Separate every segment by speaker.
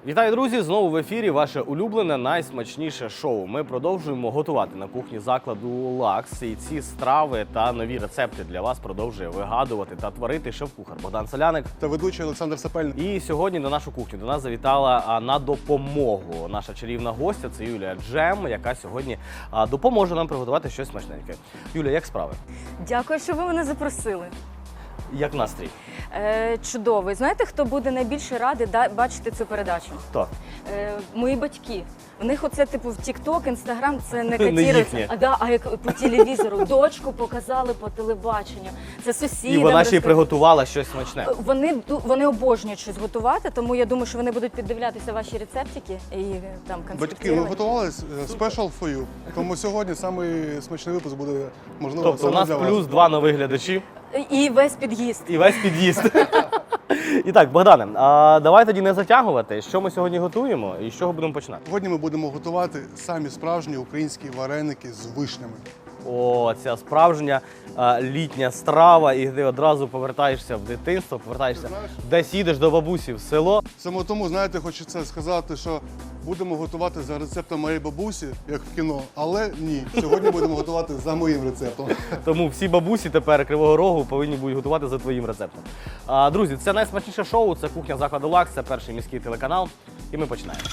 Speaker 1: Вітаю, друзі! Знову в ефірі ваше улюблене, найсмачніше шоу. Ми продовжуємо готувати на кухні закладу «Лакс». І ці страви та нові рецепти для вас продовжує вигадувати та творити шеф-кухар Богдан Соляник
Speaker 2: та ведучий Олександр Сапельник.
Speaker 1: І сьогодні на нашу кухню до нас завітала на допомогу наша чарівна гостя. Це Юлія Джем, яка сьогодні допоможе нам приготувати щось смачненьке. Юля, як справи?
Speaker 3: Дякую, що ви мене запросили.
Speaker 1: Як настрій?
Speaker 3: Чудовий. Знаєте, хто буде найбільше радий бачити цю передачу?
Speaker 1: Хто?
Speaker 3: Мої батьки. У них оце, типу, в TikTok, Instagram це не
Speaker 1: Не
Speaker 3: котірується.
Speaker 1: їхнє.
Speaker 3: А як по телевізору. Дочку показали по телебаченню. Це сусідам.
Speaker 1: І вона ще й приготувала щось смачне.
Speaker 3: Вони обожнюють щось готувати, тому я думаю, що вони будуть піддивлятися ваші рецептики і там
Speaker 2: Батьки, ми
Speaker 3: конспектувати.
Speaker 2: готувалися special for you. Тому сьогодні самий смачний випуск буде, можливо,
Speaker 1: Тобто у
Speaker 2: саме
Speaker 1: нас
Speaker 2: для
Speaker 1: плюс
Speaker 2: вас.
Speaker 1: 2 нових глядачі.
Speaker 3: І весь під'їзд.
Speaker 1: І весь під'їзд. І так, Богдане, давай тоді не затягувати. Що ми сьогодні готуємо і з чого будемо починати?
Speaker 2: Сьогодні ми будемо готувати самі справжні українські вареники з вишнями.
Speaker 1: О, ця справжня літня страва, і ти одразу повертаєшся в дитинство, повертаєшся, десь їдеш до бабусі в село.
Speaker 2: Саме тому, знаєте, хочеться сказати, що будемо готувати за рецептом моєї бабусі, як в кіно, але ні. Сьогодні будемо готувати за моїм рецептом.
Speaker 1: Тому всі бабусі тепер Кривого Рогу повинні будуть готувати за твоїм рецептом. Друзі, це найсмачніше шоу, це кухня закладу «Лакс», це перший міський телеканал. І ми починаємо.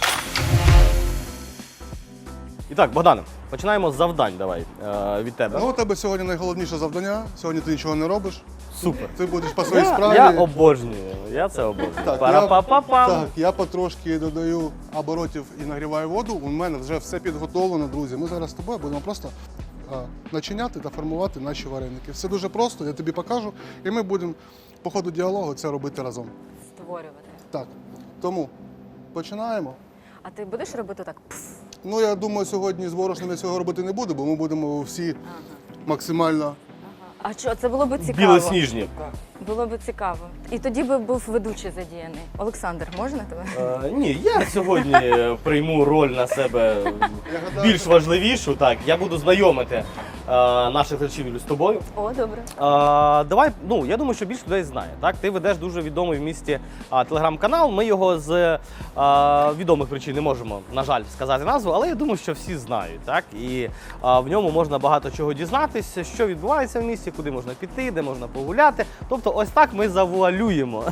Speaker 1: І так, Богдане, починаємо з завдань, давай, від тебе.
Speaker 2: Ну, у тебе сьогодні найголовніше завдання. Сьогодні ти нічого не робиш.
Speaker 1: Супер.
Speaker 2: Ти будеш по своїй справі.
Speaker 1: Я обожнюю, я це обожнюю. Пара-па-па-пам.
Speaker 2: Я потрошки додаю оборотів і нагріваю воду. У мене вже все підготовлено, друзі. Ми зараз з тобою будемо просто начиняти та формувати наші вареники. Все дуже просто, я тобі покажу. І ми будемо по ходу діалогу це робити разом.
Speaker 3: Створювати.
Speaker 2: Так, тому починаємо.
Speaker 3: А ти будеш робити так?
Speaker 2: Ну, я думаю, сьогодні з борошном я цього робити не буду, бо ми будемо всі максимально...
Speaker 3: А що, це було б цікаво.
Speaker 1: Білосніжні.
Speaker 3: Було б цікаво. І тоді би був ведучий задіяний. Олександр, можна тебе?
Speaker 1: Ні, я сьогодні прийму роль на себе більш важливішу. Так, я буду знайомити наших глядачів з тобою.
Speaker 3: О, добре.
Speaker 1: Давай, я думаю, що більше людей знає. Так, ти ведеш дуже відомий в місті телеграм-канал. Ми його з відомих причин не можемо, на жаль, сказати назву, але я думаю, що всі знають. Так, і в ньому можна багато чого дізнатися, що відбувається в місті, куди можна піти, де можна погуляти. Тобто, ось так ми завуалюємо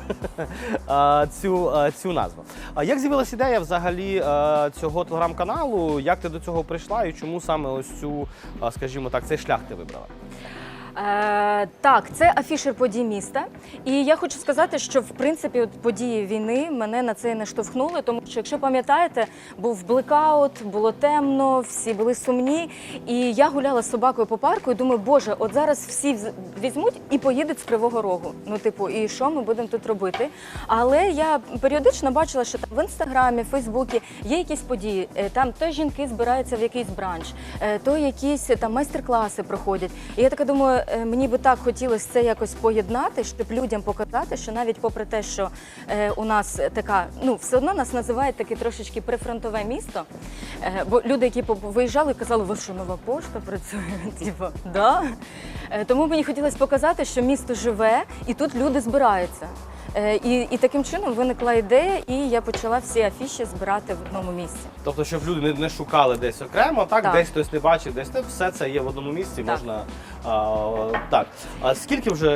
Speaker 1: цю назву. Як з'явилася ідея взагалі цього телеграм-каналу? Як ти до цього прийшла і чому саме ось цю, скажімо так, цей шлях ти вибрала?
Speaker 3: Так, це афішер подій міста. І я хочу сказати, що в принципі події війни мене на це і наштовхнули, тому що, якщо пам'ятаєте, був блекаут, було темно, всі були сумні. І я гуляла з собакою по парку і думаю, боже, от зараз всі візьмуть і поїдуть з Кривого Рогу. Ну, типу, і що ми будемо тут робити? Але я періодично бачила, що там в Інстаграмі, Фейсбуці є якісь події. Там то жінки збираються в якийсь бранч, то якісь там майстер-класи проходять. І я така думаю, мені би так хотілося це якось поєднати, щоб людям показати, що навіть попри те, що у нас така, все одно нас називають таке трошечки прифронтове місто, бо люди, які виїжджали, казали, ви що, нова пошта працює? Типу, да. Тому мені хотілося показати, що місто живе і тут люди збираються. І таким чином виникла ідея, і я почала всі афіші збирати в одному місці.
Speaker 1: Тобто, щоб люди не шукали десь окремо, так? Десь хтось не бачив, десь все це є в одному місці,
Speaker 3: так.
Speaker 1: Можна... так. А скільки вже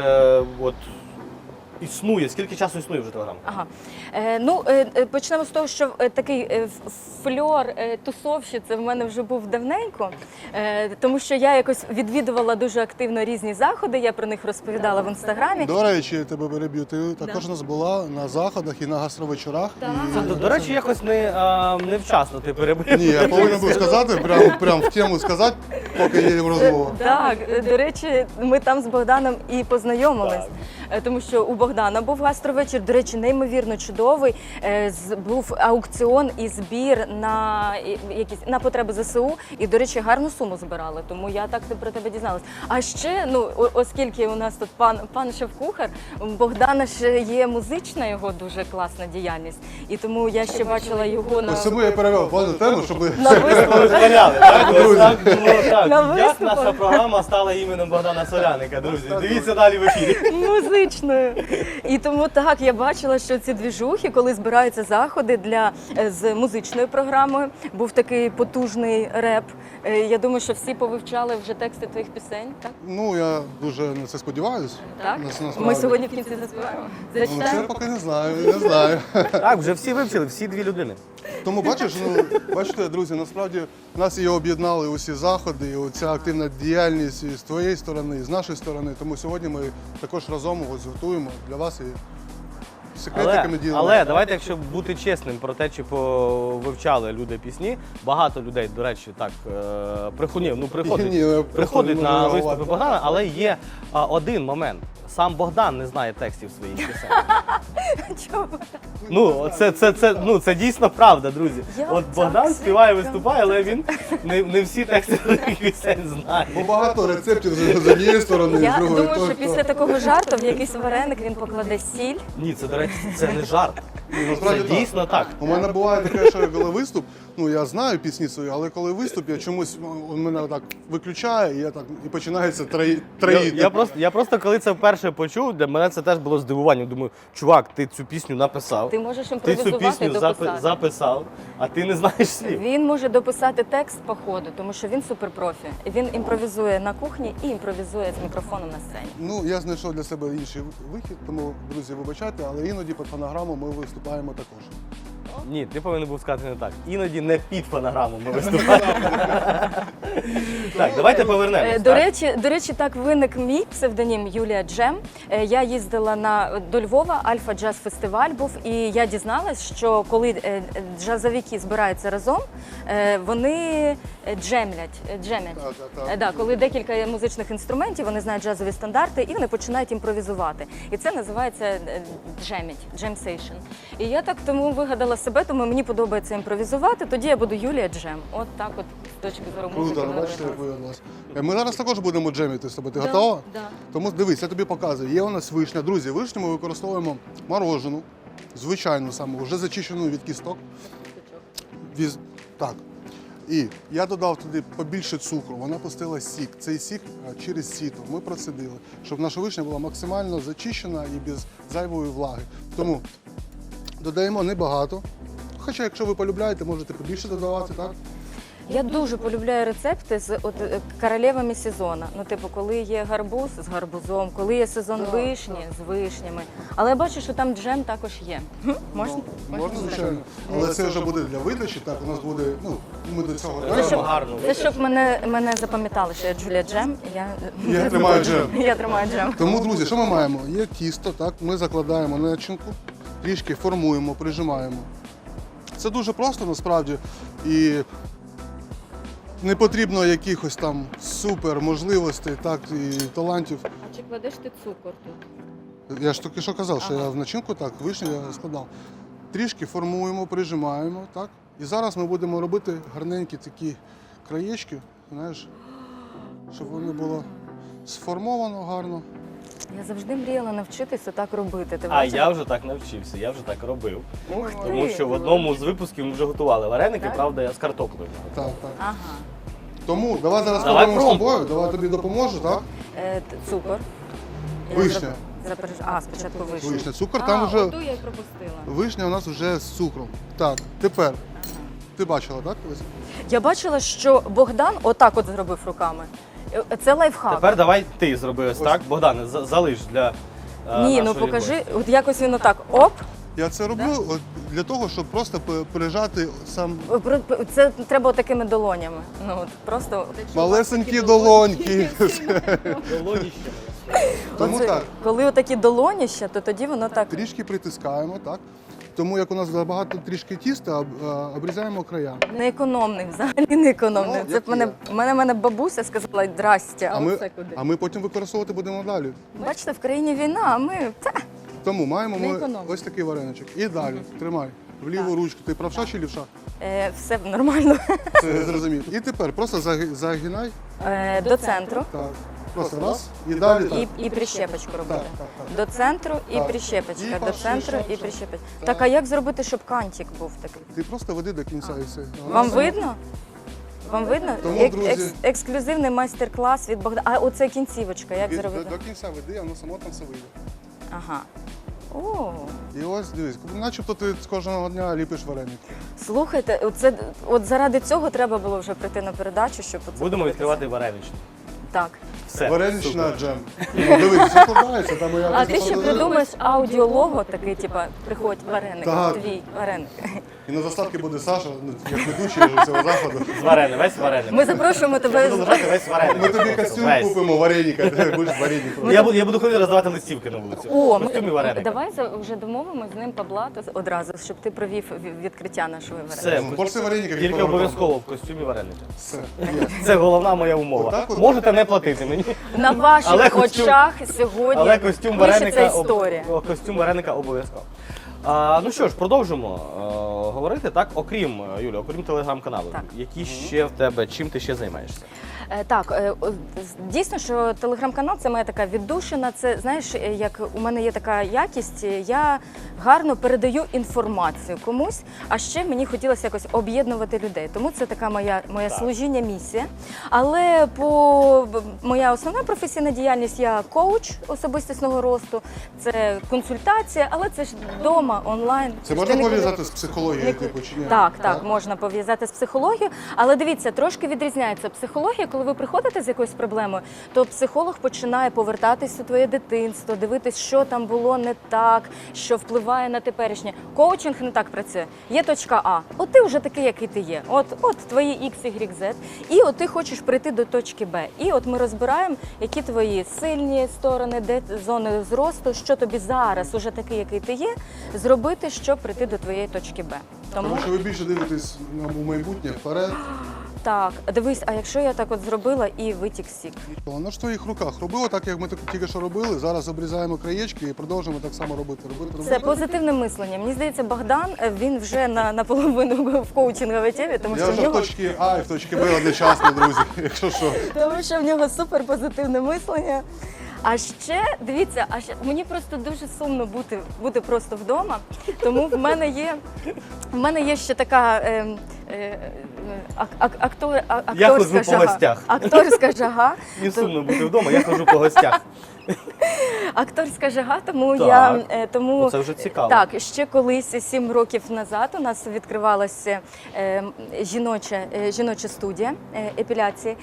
Speaker 1: існує, скільки часу існує вже Телеграм?
Speaker 3: Ага. Почнемо з того, що такий фльор тусовщиці в мене вже був давненько, тому що я якось відвідувала дуже активно різні заходи, я про них розповідала в Інстаграмі.
Speaker 2: До речі, я тебе переб'ю, ти також у нас була на заходах і на гастровечорах.
Speaker 1: До речі, якось невчасно ти перебив.
Speaker 2: Ні, я повинен був сказати, прям в тему сказати, поки є розмова.
Speaker 3: Так, до речі, ми там з Богданом і познайомились. Тому що у Богдана був гастровечір, до речі, неймовірно чудовий. Був аукціон і збір на потреби ЗСУ. І, до речі, гарну суму збирали, тому я так про тебе дізналась. А ще, оскільки у нас тут пан шеф-кухар, у Богдана ж є музична його дуже класна діяльність. І тому я ще бачила його на...
Speaker 2: Ось тому я перевів плану тему, щоб...
Speaker 3: На виступах.
Speaker 1: Як наша програма стала іменем Богдана Соляника, друзі. Дивіться далі в ефірі.
Speaker 3: музичною. І тому так, я бачила, що ці двіжухи, коли збираються заходи з музичною програмою, був такий потужний реп. Я думаю, що всі повивчали вже тексти твоїх пісень, так?
Speaker 2: Ну, я дуже на це сподіваюся.
Speaker 3: Так?
Speaker 2: Насправді.
Speaker 3: Ми сьогодні в кінці заспіваємо.
Speaker 2: Ну, це
Speaker 3: Зачитаємо?
Speaker 2: поки не знаю, не знаю.
Speaker 1: Так, вже всі вивчили, всі 2 людини.
Speaker 2: Тому бачите, друзі, насправді нас і об'єднали усі заходи, і оця активна діяльність і з твоєї сторони, і з нашої сторони. Тому сьогодні ми також разом ось готуємо для вас і секретиками ділимо.
Speaker 1: Але давайте, якщо бути чесним про те, чи вивчали люди пісні, багато людей, до речі, так приходять на виступи Богдана, але є один момент. Сам Богдан не знає текстів своїх пісень.
Speaker 3: Чому?
Speaker 1: Це дійсно правда, друзі.
Speaker 3: Як
Speaker 1: От
Speaker 3: так?
Speaker 1: Богдан співає, виступає, але він не всі тексти своїх пісень знає.
Speaker 2: Бо багато рецептів з однієї сторони, з
Speaker 3: Я
Speaker 2: другої.
Speaker 3: думаю, що після такого жарту в якийсь вареник він покладе сіль.
Speaker 1: Ні, це, до речі, це не жарт. Це
Speaker 2: насправді так.
Speaker 1: дійсно так.
Speaker 2: У мене буває таке, що коли виступ, я знаю пісні свої, але коли виступ, я чомусь він мене так виключає, і починається троїти.
Speaker 1: Я просто коли це вперше почув, для мене це теж було здивування. Думаю, чувак, ти цю пісню написав,
Speaker 3: Ти можеш
Speaker 1: ти цю
Speaker 3: імпровізувати і
Speaker 1: пісню
Speaker 3: дописати.
Speaker 1: записав, а ти не знаєш слів.
Speaker 3: Він може дописати текст по ходу, тому що він суперпрофі. Він імпровізує на кухні і імпровізує з мікрофоном на сцені.
Speaker 2: Я знайшов для себе інший вихід, тому, друзі, вибачайте, але іноді під фонограму ми виступаємо також.
Speaker 1: Ні, ти повинен був сказати не так. Іноді не під фонограму ми виступаємо. Так, давайте повернемось.
Speaker 3: До речі, так виник мій псевдонім Юлія Джем. Я їздила до Львова, Альфа Джаз Фестиваль був, і я дізналась, що коли джазовики збираються разом, вони джемлять.
Speaker 2: Так.
Speaker 3: Да, коли декілька музичних інструментів, вони знають джазові стандарти і вони починають імпровізувати. І це називається джемсейшн. І я так тому вигадала себе, тому мені подобається імпровізувати, тоді я буду Юлія Джем. От так от з точки зору музики.
Speaker 2: Круто, бачите, як виявилось. Ми зараз також будемо джемити з тобою. Ти готова?
Speaker 3: Да.
Speaker 2: Тому дивись, я тобі показую. Є у нас вишня. Друзі, вишню ми використовуємо морожену, звичайну саму, вже зачищену від кісток. Так. І я додав туди побільше цукру, вона пустила сік. Цей сік через сіто ми процедили, щоб наша вишня була максимально зачищена і без зайвої влаги. Тому додаємо небагато. Хоча, якщо ви полюбляєте, можете побільше додавати, так?
Speaker 3: Я дуже полюбляю рецепти з королевами сезону. Коли є гарбуз з гарбузом, коли є сезон вишні з вишнями. Але я бачу, що там джем також є. Можна?
Speaker 2: Можна, звичайно. Але це вже буде для видачі, так, у нас буде, ми до цього
Speaker 3: Це щоб,
Speaker 2: дійдемо.
Speaker 1: Гарно.
Speaker 3: це щоб мене запам'ятали, що я Джулія Джем.
Speaker 2: Я тримаю джем.
Speaker 3: Я тримаю джем.
Speaker 2: Тому, друзі, що ми маємо? Є тісто, так, ми закладаємо начинку, трішки формуємо, прижимаємо. Це дуже просто насправді і не потрібно якихось там супер можливостей, так, і талантів.
Speaker 3: А чи кладеш ти цукор тут?
Speaker 2: Я ж тільки що казав, що я в начинку так, вишню я складав. Трішки формуємо, прижимаємо, так. І зараз ми будемо робити гарненькі такі краєчки, знаєш, щоб воно було сформовано гарно.
Speaker 3: Я завжди мріяла навчитися так робити. Ти
Speaker 1: А
Speaker 3: бачиш?
Speaker 1: я вже так навчився, я вже так робив.
Speaker 3: Ух ти!
Speaker 1: Тому що в одному з випусків ми вже готували вареники,
Speaker 3: Так?
Speaker 1: правда, я з картоплею.
Speaker 2: Так, так.
Speaker 3: Ага.
Speaker 2: Тому давай зараз
Speaker 1: Давай
Speaker 2: спробуємо з
Speaker 1: пробуй.
Speaker 2: тобою, давай тобі допоможу, так?
Speaker 3: Цукор.
Speaker 2: Вишня.
Speaker 3: Спочатку вишня.
Speaker 2: Вишня. Цукор там вже.
Speaker 3: Оту я й пропустила.
Speaker 2: Вишня у нас вже з цукром. Так, тепер. Ти бачила, так? Ось.
Speaker 3: Я бачила, що Богдан отак от зробив руками. Це лайфхак.
Speaker 1: Тепер давай ти зроби ось так. Богдане, залиш для
Speaker 3: Ні,
Speaker 1: нашої
Speaker 3: покажи,
Speaker 1: гості.
Speaker 3: от якось він отак, оп.
Speaker 2: Я це роблю от для того, щоб просто прижати сам
Speaker 3: Це треба такими долонями. Просто
Speaker 2: малесенькі долоньки.
Speaker 1: Долоніщами.
Speaker 2: Тому
Speaker 3: Оце,
Speaker 2: так,
Speaker 3: коли отакі долоніща, то тоді воно так.
Speaker 2: трішки притискаємо, так? Тому як у нас забагато трішки тіста, обрізаємо края.
Speaker 3: Неекономний, взагалі неекономний.
Speaker 2: Ну,
Speaker 3: Це
Speaker 2: як є.
Speaker 3: мене бабуся сказала, здрастя,
Speaker 2: А
Speaker 3: а
Speaker 2: ми,
Speaker 3: оце куди?
Speaker 2: а ми потім використовувати будемо далі.
Speaker 3: Бачите, в країні війна, а ми
Speaker 2: Тому маємо
Speaker 3: Не
Speaker 2: ми
Speaker 3: економимо.
Speaker 2: ось такий вареничок. І далі, тримай. В ліву ручку. Ти правша чи лівша?
Speaker 3: все нормально.
Speaker 2: Це зрозумів. І тепер просто загинай.
Speaker 3: До центру.
Speaker 2: Так. Просто раз. І далі так.
Speaker 3: І прищепочку робити.
Speaker 2: Так.
Speaker 3: До центру і
Speaker 2: Так.
Speaker 3: прищепочка,
Speaker 2: І
Speaker 3: до
Speaker 2: пошли,
Speaker 3: центру і
Speaker 2: шов.
Speaker 3: прищепочка.
Speaker 2: Так.
Speaker 3: Так, а як зробити, щоб кантик був такий?
Speaker 2: Ти просто веди до кінця і все.
Speaker 3: Вам видно? Вам видно?
Speaker 2: Тому, друзі-
Speaker 3: Ексклюзивний майстер-клас від Богдана. А оце кінцівочка, як зробити?
Speaker 2: До кінця веди, а воно само там все вийде.
Speaker 3: Ага. О,
Speaker 2: І ось дивись, начебто ти з кожного дня ліпиш вареники.
Speaker 3: слухайте, от заради цього треба було вже прийти на передачу, щоб оце
Speaker 1: Будемо
Speaker 3: подивитися.
Speaker 1: відкривати вареничні.
Speaker 3: Так.
Speaker 1: Все.
Speaker 2: Варенична
Speaker 1: супер.
Speaker 2: джем. Ну, дивись, все складається, там я
Speaker 3: А ти ще придумаєш аудіолого, такий, типа, приходь вареник,
Speaker 2: Так.
Speaker 3: твій вареник.
Speaker 2: І на заставці буде Саша, ну, як ведучий вже цього заходу.
Speaker 1: З вареник, весь вареник.
Speaker 3: Ми запрошуємо тебе.
Speaker 1: Буду лежати весь вареник.
Speaker 2: Ми тобі костюм
Speaker 1: Весь.
Speaker 2: купимо, вареника, ти будеш вареник.
Speaker 1: Я буду ходити роздавати листівки на вулиці.
Speaker 3: О,
Speaker 1: Костюмі вареника.
Speaker 3: давай вже домовимо з ним Павла одразу, щоб ти провів відкриття нашого
Speaker 1: Все.
Speaker 3: вареника.
Speaker 2: Ну, порція вареників.
Speaker 1: Тільки обов'язково в костюмі вареника.
Speaker 2: Все.
Speaker 1: Це головна моя умова.
Speaker 2: Отак от?
Speaker 1: Можете не платити мені,
Speaker 3: На ваших
Speaker 1: Але костюм-
Speaker 3: очах сьогодні
Speaker 1: але костюм
Speaker 3: пишеться
Speaker 1: вареника,
Speaker 3: історія.
Speaker 1: костюм вареника обов'язково. Ну що ж, продовжимо говорити. Так, окрім Юлі, окрім телеграм-каналу,
Speaker 3: Так.
Speaker 1: які ще в тебе, чим ти ще займаєшся?
Speaker 3: Так, дійсно, що телеграм-канал це моя така віддушина. Це знаєш, як у мене є така якість, я гарно передаю інформацію комусь, а ще мені хотілося якось об'єднувати людей. Тому це така моя
Speaker 1: Так.
Speaker 3: служіння, місія. Але моя основна професійна діяльність, я коуч особистісного росту, це консультація, але це ж вдома, онлайн.
Speaker 2: Це
Speaker 3: Ти
Speaker 2: можна
Speaker 3: нікуди-
Speaker 2: пов'язати з психологією, типу, чи ні?
Speaker 3: так, можна пов'язати з психологією, але дивіться, трошки відрізняється психологія. Коли ви приходите з якоюсь проблемою, то психолог починає повертатись у твоє дитинство, дивитись, що там було не так, що впливає на теперішнє. Коучинг не так працює. Є точка А. От ти вже такий, який ти є. От твої X, Y, Z. І от ти хочеш прийти до точки Б. І от ми розбираємо, які твої сильні сторони, де зони зросту, що тобі зараз, уже такий, який ти є, зробити, щоб прийти до твоєї точки Б.
Speaker 2: Тому що ви більше дивитесь у майбутнє, вперед.
Speaker 3: Так, дивись, а якщо я так от зробила і витік сік?
Speaker 2: Воно ж в твоїх руках. Роби отак, як ми тільки що робили. Зараз обрізаємо краєчки і продовжимо так само робити.
Speaker 3: Це позитивне мислення. Мені здається, Богдан, він вже наполовину в коучинговій темі, тому
Speaker 2: Я
Speaker 3: що в
Speaker 2: вже в
Speaker 3: нього
Speaker 2: точці А і в точці Б одночасно, друзі, якщо що.
Speaker 3: тому що в нього супер позитивне мислення. А ще дивіться, мені просто дуже сумно бути просто вдома. Тому в мене є ще така
Speaker 1: Я ходжу
Speaker 3: акторська
Speaker 1: по
Speaker 3: жага.
Speaker 1: гостях.
Speaker 3: Акторська жага.
Speaker 1: Не сумно бути вдома, я хожу по гостях.
Speaker 3: Акторська жага, тому
Speaker 1: Так.
Speaker 3: тому
Speaker 1: Це вже цікаво.
Speaker 3: Так, ще колись 7 років назад у нас відкривалася жіноча студія епіляції,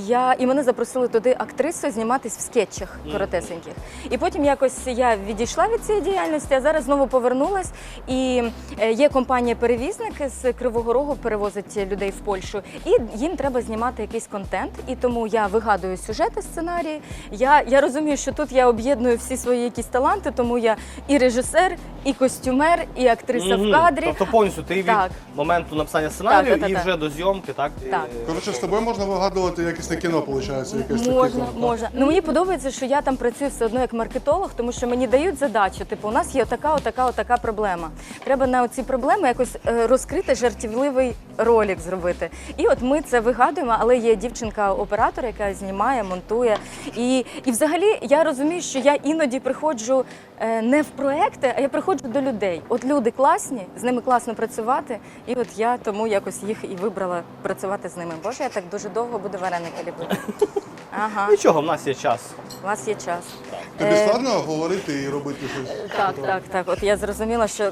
Speaker 3: і мене запросили туди актрисою зніматись в скетчах коротесеньких. І потім якось я відійшла від цієї діяльності, а зараз знову повернулась. І є компанія-перевізник з Кривого Рогу, перевозить людей в Польщу, і їм треба знімати якийсь контент. І тому я вигадую сюжети, сценарії. Я розумію, що тут я об'єдную всі свої якісь таланти, тому я і режисер, і костюмер, і актриса в кадрі.
Speaker 1: Тобто повністю ти від
Speaker 3: Так.
Speaker 1: моменту написання сценарію
Speaker 3: Так.
Speaker 1: і вже до зйомки, так?
Speaker 3: Так.
Speaker 2: Коротше, з тобою можна вигадувати якесь кіно, виходить, якесь таке.
Speaker 3: Можна. Ну мені подобається, що я там працюю все одно як маркетолог, тому що мені дають задачу. Типу, у нас є отака проблема. Треба на ці проблеми якось розкрити жартівливий ролик зробити. І от ми це вигадуємо, але є дівчинка-оператор, яка знімає, монтує. І взагалі я розумію, що я іноді приходжу не в проекти, а я приходжу до людей. От люди класні, з ними класно працювати, і от я тому якось їх і вибрала працювати з ними. Боже, я так дуже довго буду вареники ліпити. Ага,
Speaker 1: Нічого, в нас є час.
Speaker 3: у вас є час.
Speaker 2: Тобі складно говорити і робити щось?
Speaker 3: Так. От я зрозуміла, що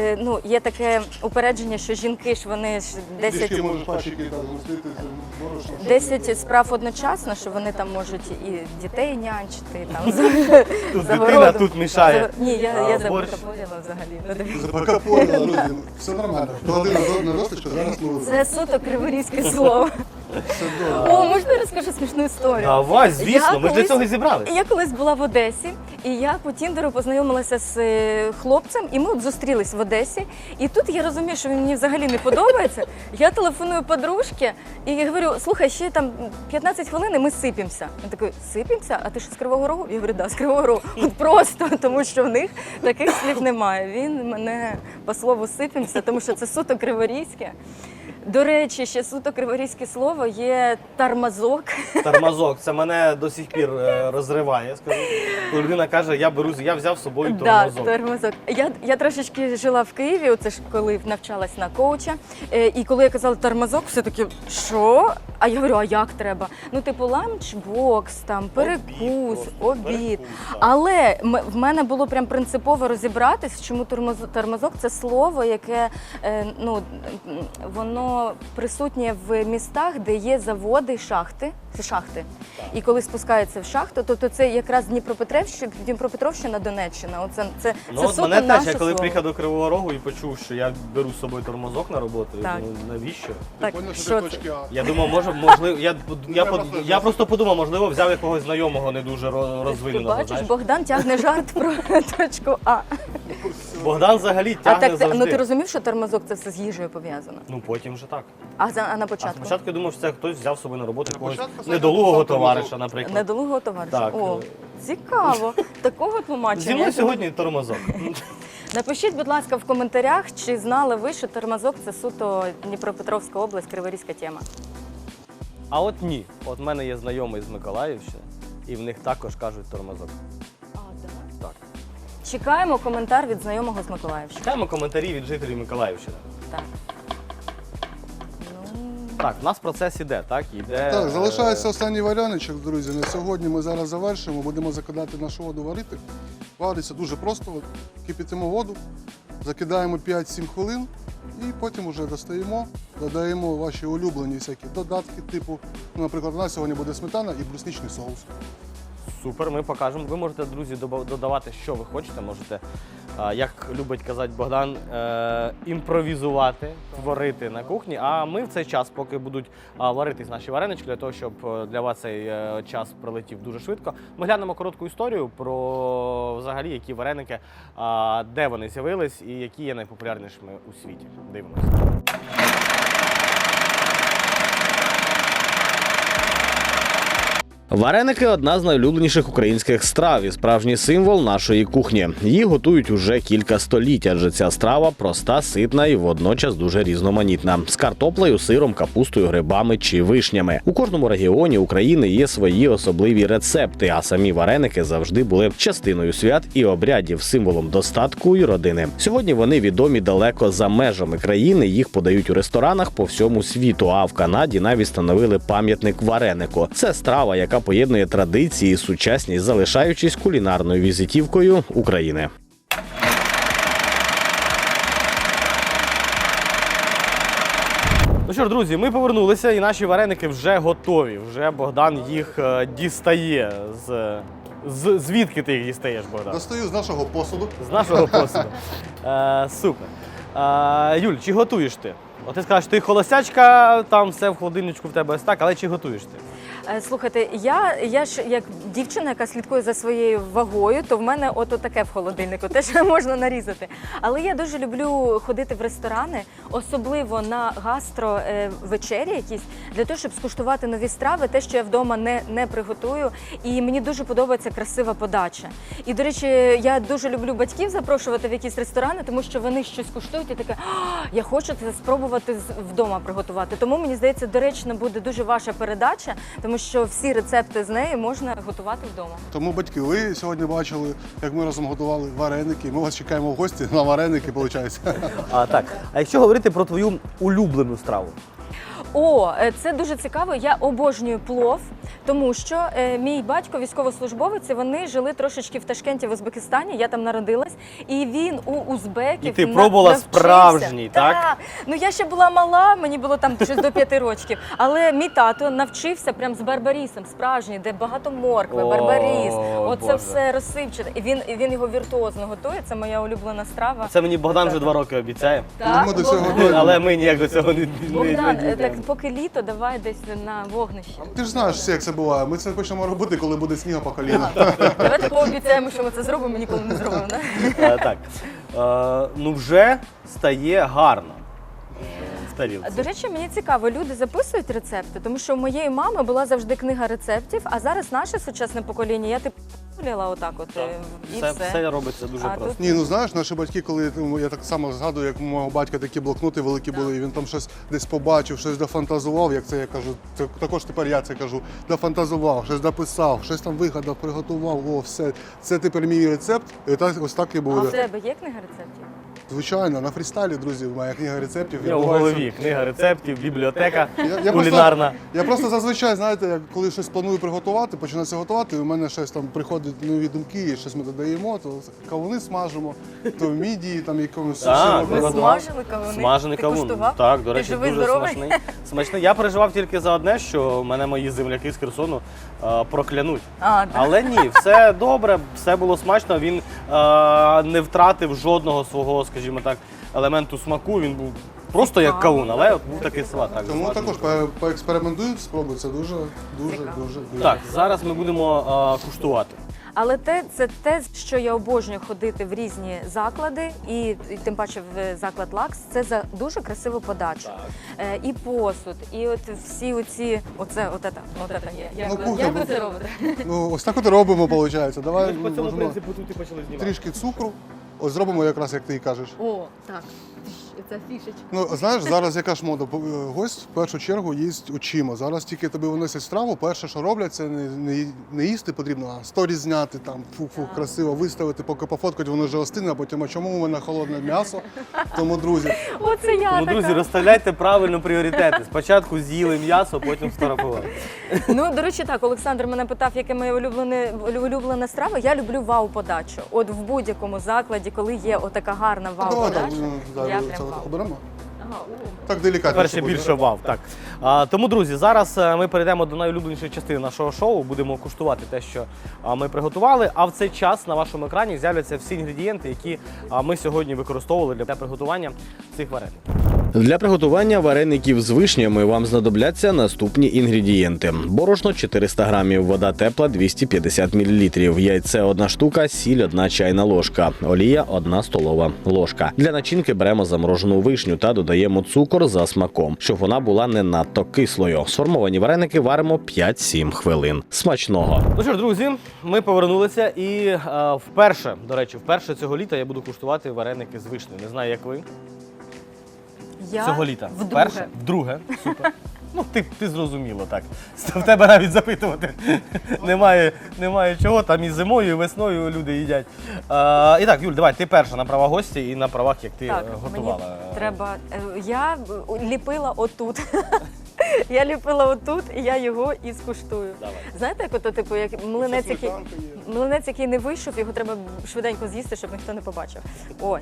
Speaker 3: є таке упередження, що жінки ж вони ж
Speaker 2: Трішки можеш пачки там змістити, борошно.
Speaker 3: 10 справ одночасно, що вони там можуть і дітей нянчити, і там
Speaker 1: Тут
Speaker 3: за
Speaker 1: дитина
Speaker 3: городом.
Speaker 1: тут мішає.
Speaker 3: Ні, я
Speaker 1: борщ.
Speaker 3: запропонувала взагалі. Ну, дивіться.
Speaker 2: Закапорила, друзі. Все нормально. Клади на досточку, зараз ми
Speaker 3: Це суто криворізьке слово.
Speaker 2: все добре.
Speaker 3: О, можна я розкажу смішну історію?
Speaker 1: Давай, звісно,
Speaker 3: Я
Speaker 1: ми ж для
Speaker 3: колись-
Speaker 1: цього і зібрали.
Speaker 3: Я колись була в Одесі, і я по Тіндеру познайомилася з хлопцем, і ми от зустрілись в Одесі. І тут я розумію, що він мені взагалі не подобається. Я телефоную подружці і говорю: слухай, ще там 15 хвилин і ми сипемося. Він такий: сипемося? А ти що, з Кривого Рогу? Я говорю: да, з Кривого Рогу. От просто, тому що в них таких слів немає. Він мене по слову сипемося, тому що це суто криворізьке. До речі, ще суто криворізьке слово є тормозок.
Speaker 1: Тормозок, це мене до сих пір розриває. Скажу. Коли людина каже, я взяв з собою
Speaker 3: Да,
Speaker 1: тормозок.
Speaker 3: тормозок. Я трошечки жила в Києві, оце ж коли навчалась на коуча. І коли я казала тормозок, все таки, що? А я говорю, а як треба? Ну, типу, ланчбокс, там, перекус, обід.
Speaker 1: так.
Speaker 3: Але в мене було прям принципово розібратись, чому тормозок – це слово, яке, воно присутнє в містах, де є заводи, шахти. І коли спускається в шахту, то це якраз Дніпропетровщина, Донеччина. Це
Speaker 1: Ну, от
Speaker 3: суто
Speaker 1: мене
Speaker 3: наше
Speaker 1: теж, я коли
Speaker 3: слово.
Speaker 1: приїхав до Кривого Рогу і почув, що я беру з собою тормозок на роботу, я
Speaker 3: Так.
Speaker 1: думаю, навіщо?
Speaker 3: Так,
Speaker 2: Поняв, що
Speaker 3: що
Speaker 2: ти
Speaker 3: це?
Speaker 2: точки А.
Speaker 1: Я думав, можливо,
Speaker 2: Треба
Speaker 1: я просто подумав, можливо, взяв якогось знайомого не дуже
Speaker 3: Ти
Speaker 1: розвиненого.
Speaker 3: бачиш,
Speaker 1: знаєш.
Speaker 3: Богдан тягне жарт про точку А.
Speaker 1: Богдан взагалі
Speaker 3: А
Speaker 1: тягне
Speaker 3: так,
Speaker 1: завжди.
Speaker 3: ну ти розумів, що тормозок це все з їжею пов'язано?
Speaker 1: Ну потім вже так.
Speaker 3: А на
Speaker 1: А
Speaker 3: початку?
Speaker 1: спочатку я думав, що це хтось взяв з собою на роботу якогось
Speaker 2: початку
Speaker 1: недолугого
Speaker 2: сам
Speaker 1: товариша,
Speaker 2: тормозок.
Speaker 1: наприклад.
Speaker 3: Недолугого товариша.
Speaker 1: Так.
Speaker 3: О, цікаво. Такого тлумачення.
Speaker 1: Зі мною сьогодні тормозок.
Speaker 3: Напишіть, будь ласка, в коментарях, чи знали ви, що тормозок це суто Дніпропетровська область, криворізька тема.
Speaker 1: А от ні. От в мене є знайомий з Миколаївщини, і в них також кажуть тормозок.
Speaker 3: А, так.
Speaker 1: Так.
Speaker 3: Чекаємо коментар від знайомого з Миколаївщини.
Speaker 1: Читаємо коментарі від жителів Миколаївщини.
Speaker 3: Так. Ну,
Speaker 1: Так, у нас процес іде, так? Іде.
Speaker 2: Так, залишається останній варіаничок, друзі. На сьогодні ми зараз завершимо, будемо закидати нашу воду варити. Вариться дуже просто. Кипятимо воду, закидаємо 5-7 хвилин і потім вже достаємо, додаємо ваші улюблені всякі додатки, типу, наприклад, у нас сьогодні буде сметана і брусничний соус.
Speaker 1: Супер, ми покажемо. Ви можете, друзі, додавати, що ви хочете. Можете, як любить казати Богдан, імпровізувати, творити на кухні. А ми в цей час, поки будуть варитись наші варенички, для того, щоб для вас цей час пролетів дуже швидко, ми глянемо коротку історію про взагалі, які вареники, де вони з'явились і які є найпопулярнішими у світі. Дивимося. Вареники – одна з найулюбленіших українських страв і справжній символ нашої кухні. Її готують уже кілька століть, адже ця страва проста, ситна і водночас дуже різноманітна. З картоплею, сиром, капустою, грибами чи вишнями. У кожному регіоні України є свої особливі рецепти, а самі вареники завжди були частиною свят і обрядів, символом достатку і родини. Сьогодні вони відомі далеко за межами країни, їх подають у ресторанах по всьому світу, а в Канаді навіть встановили пам'ятник варенику. Це страва, яка поєднує традиції і сучасність, залишаючись кулінарною візитівкою України. Ну що ж, друзі, ми повернулися і наші вареники вже готові. Вже Богдан їх дістає. Звідки ти їх дістаєш, Богдан?
Speaker 2: Достаю з нашого посуду.
Speaker 1: З нашого посуду. Супер. Юль, чи готуєш ти? От ти скажеш, ти холостячка, там все в холодильничку в тебе ось так, але чи готуєш ти?
Speaker 3: Слухайте, я ж як дівчина, яка слідкує за своєю вагою, то в мене ото таке в холодильнику, те, що можна нарізати. Але я дуже люблю ходити в ресторани, особливо на гастровечері якісь, для того, щоб скуштувати нові страви, те, що я вдома не приготую. І мені дуже подобається красива подача. І, до речі, я дуже люблю батьків запрошувати в якісь ресторани, тому що вони щось куштують і таке, я хочу це спробувати вдома приготувати. Тому, мені здається, доречно буде дуже ваша передача, тому що всі рецепти з неї можна готувати вдома.
Speaker 2: Тому, батьки, ви сьогодні бачили, як ми разом готували вареники. Ми вас чекаємо в гості на вареники, виходить.
Speaker 1: Так. А якщо говорити про твою улюблену страву?
Speaker 3: О, це дуже цікаво. Я обожнюю плов, тому що мій батько військовослужбовець, і вони жили трошечки в Ташкенті, в Узбекистані. Я там народилась, і він у узбеків
Speaker 1: І ти пробувала
Speaker 3: навчився.
Speaker 1: справжній, так?
Speaker 3: Ну я ще була мала, мені було там щось до 5 років. Але мій тато навчився прям з барбарісом, справжній, де багато моркви, барбаріс. Оце
Speaker 1: Боже.
Speaker 3: все розсипчате. І він його віртуозно готує. Це моя улюблена страва.
Speaker 1: Це мені Богдан вже 2 роки обіцяє.
Speaker 3: Так,
Speaker 2: Ми до цього
Speaker 3: Богдан.
Speaker 2: дійдемо.
Speaker 1: Але ми ніяк до цього не
Speaker 3: Богдан,
Speaker 1: дійдемо.
Speaker 3: так поки літо, давай десь на вогнище.
Speaker 2: Ти ж знаєш, все, як це буває. Ми це почнемо робити, коли буде сніга по коліна.
Speaker 3: Давайте пообіцяємо, що ми це зробимо, ніколи не зробимо. Да?
Speaker 1: Так. Ну вже стає гарно в тарілці.
Speaker 3: До речі, мені цікаво, люди записують рецепти, тому що у моєї мами була завжди книга рецептів, а зараз наше сучасне покоління, я Ліла отак от і все.
Speaker 1: Все робиться дуже
Speaker 3: А
Speaker 1: просто.
Speaker 3: тут-
Speaker 2: Ні, ну знаєш, наші батьки, коли я так само згадую, як у мого батька такі блокноти великі були, і він там щось десь побачив, щось дофантазував, як це я кажу, це також тепер я це кажу, дофантазував, щось дописав, щось там вигадав, приготував, о, все. Це тепер мій рецепт, і так, ось так і
Speaker 3: А в
Speaker 2: буде.
Speaker 3: тебе є книга рецептів?
Speaker 2: Звичайно, на фрістайлі, друзі, моя книга рецептів.
Speaker 1: Я в
Speaker 2: відбувається.
Speaker 1: голові. Книга рецептів, бібліотека
Speaker 2: Я
Speaker 1: кулінарна.
Speaker 2: Я просто зазвичай, знаєте, як коли щось планую приготувати, починається готувати, і у мене щось там приходять нові думки, і щось ми додаємо, то кавуни смажимо, то мідії, там якомусь
Speaker 1: Так,
Speaker 2: суші
Speaker 1: ми
Speaker 3: Ви
Speaker 2: робимо.
Speaker 1: готували.
Speaker 3: смажили кавуни?
Speaker 1: Смажений
Speaker 3: Ти
Speaker 1: кавун.
Speaker 3: куштував?
Speaker 1: Так, до
Speaker 3: Ти
Speaker 1: речі,
Speaker 3: живий,
Speaker 1: дуже
Speaker 3: здоровий?
Speaker 1: смачний. Смачний. Я переживав тільки за одне, що мене мої земляки з Херсону проклянуть.
Speaker 3: А, так.
Speaker 1: Але ні, все добре, все було смачно. Він не втратив жодного свого, скажімо так, елементу смаку. Він був просто як кавун, але був такий салат. Так,
Speaker 2: Тому
Speaker 1: смачно.
Speaker 2: також поекспериментують, спробуй, це дуже, дуже,
Speaker 3: Цікаво.
Speaker 2: дуже, дуже.
Speaker 1: Так, зараз ми будемо куштувати.
Speaker 3: Але це те, що я обожнюю ходити в різні заклади, і тим паче в заклад Лакс, це за дуже красиву подачу. І посуд, і от всі оці, оце є.
Speaker 2: Ну, кухня,
Speaker 3: Як ви це робите?
Speaker 2: Ну, ось так от і робимо, виходить. Давай
Speaker 1: По цьому
Speaker 2: можемо
Speaker 1: принципу тут і почали знімати.
Speaker 2: трішки цукру, ось зробимо якраз, як ти і кажеш.
Speaker 3: О, так. Це фішечка.
Speaker 2: Ну, знаєш, зараз яка ж мода? Гость в першу чергу їсть очима. Зараз тільки тобі виносять страву, перше, що роблять, це не їсти потрібно, а сторіс зняти, там, фу-фу, красиво виставити, поки пофоткати, воно вже остине, а потім, а чому у мене холодне м'ясо? Тому, друзі,
Speaker 3: Оце я
Speaker 1: Тому,
Speaker 3: така.
Speaker 1: друзі, розставляйте правильно пріоритети. Спочатку з'їли м'ясо, потім сфотографували.
Speaker 3: Ну, до речі, так, Олександр мене питав, яке моє улюблена страва. Я люблю вау-подачу. От в будь-якому закладі, коли є отака гарна
Speaker 2: давай
Speaker 3: вау-подача,
Speaker 2: так,
Speaker 3: я
Speaker 2: це
Speaker 3: прям
Speaker 2: от
Speaker 3: вау.
Speaker 2: оберемо. Так делікатніше
Speaker 1: Перше
Speaker 2: буде.
Speaker 1: більше вау. Так. Тому, друзі, зараз ми перейдемо до найулюбленішої частини нашого шоу. Будемо куштувати те, що ми приготували. А в цей час на вашому екрані з'являться всі інгредієнти, які ми сьогодні використовували для приготування цих вареників. Для приготування вареників з вишнями вам знадобляться наступні інгредієнти: борошно 400 грамів, вода тепла 250 мл, яйце 1 штука, сіль 1 чайна ложка, олія 1 столова ложка. Для начинки беремо заморожену вишню та додаємо цукор за смаком, щоб вона була не надто кислою. Сформовані вареники варимо 5-7 хвилин. Смачного! Ну що ж, друзі, ми повернулися і вперше цього літа я буду куштувати вареники з вишнею. Не знаю, як ви.
Speaker 3: Я
Speaker 1: Цього літа.
Speaker 3: вдруге.
Speaker 1: Вперше? Вдруге. Супер. Ну, ти зрозуміло так. В тебе навіть запитувати немає чого. Там і зимою, і весною люди їдять. І так, Юль, давай, ти перша на правах гостя і на правах, як ти
Speaker 3: Так,
Speaker 1: готувала.
Speaker 3: мені треба. Я ліпила отут. Я ліпила отут, і я його і скуштую.
Speaker 1: Давай.
Speaker 3: Знаєте, як ото, типу, як млинець, який не вийшов, його треба швиденько з'їсти, щоб ніхто не побачив. Ой.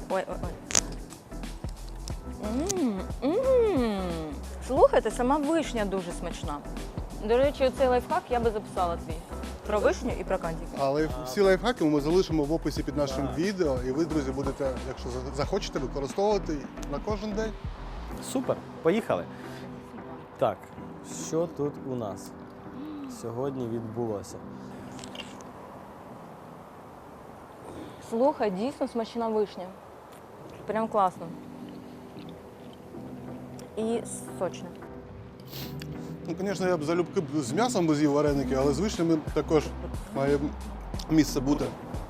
Speaker 3: Слухайте, сама вишня дуже смачна. До речі, цей лайфхак я би записала твій. Про вишню і про кандік.
Speaker 2: Але всі лайфхаки ми залишимо в описі під нашим відео, і ви, друзі, будете, якщо захочете, використовувати на кожен день.
Speaker 1: Супер, поїхали. Так, що тут у нас сьогодні відбулося?
Speaker 3: Слухай, дійсно смачна вишня. Прям класно. І сочна.
Speaker 2: Ну, звісно, я б залюбки з м'ясом би з'їв вареники, але з вишнями також має місце бути.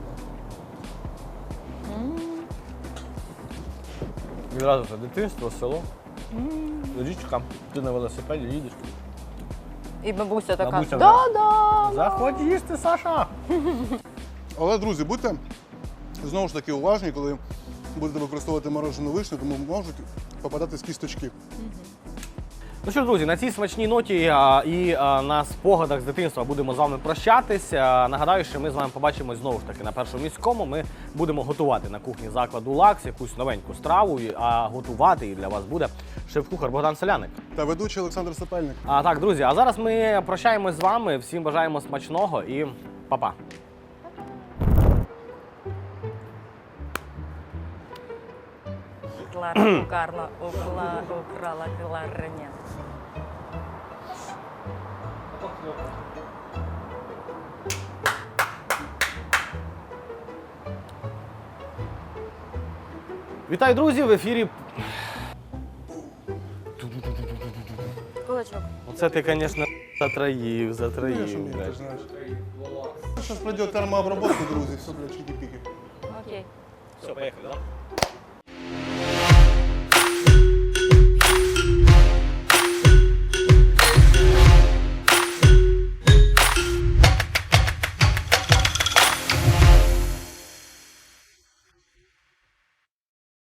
Speaker 1: Відразу це дитинство, село, річка, ти на велосипеді їдеш.
Speaker 3: І бабуся така.
Speaker 1: Бабуся,
Speaker 3: Да-да!
Speaker 1: Заходь їсти, Саша!
Speaker 2: Але, друзі, будьте знову ж таки уважні, коли будете використовувати морожену вишню, тому можуть попадатись кісточки.
Speaker 1: Ну що ж, друзі, на цій смачній ноті і на спогадах з дитинства будемо з вами прощатись. Нагадаю, що ми з вами побачимось знову ж таки на Першому міському. Ми будемо готувати на кухні закладу Лакс якусь новеньку страву, а готувати її для вас буде шеф-кухар Богдан Соляник.
Speaker 2: Та ведучий Олександр Сапельник.
Speaker 1: Так, друзі, а зараз ми прощаємось з вами. Всім бажаємо смачного і па-па.
Speaker 3: Клара Карла украла кларнет.
Speaker 1: Вітаю, друзі! В ефірі.
Speaker 3: Кулачок.
Speaker 1: Оце ти, звісно, затраїв.
Speaker 2: Ти ж знаєш. зараз пройде термообробку, друзі, все для чики-піки.
Speaker 3: Окей.
Speaker 1: Все, поїхали, так?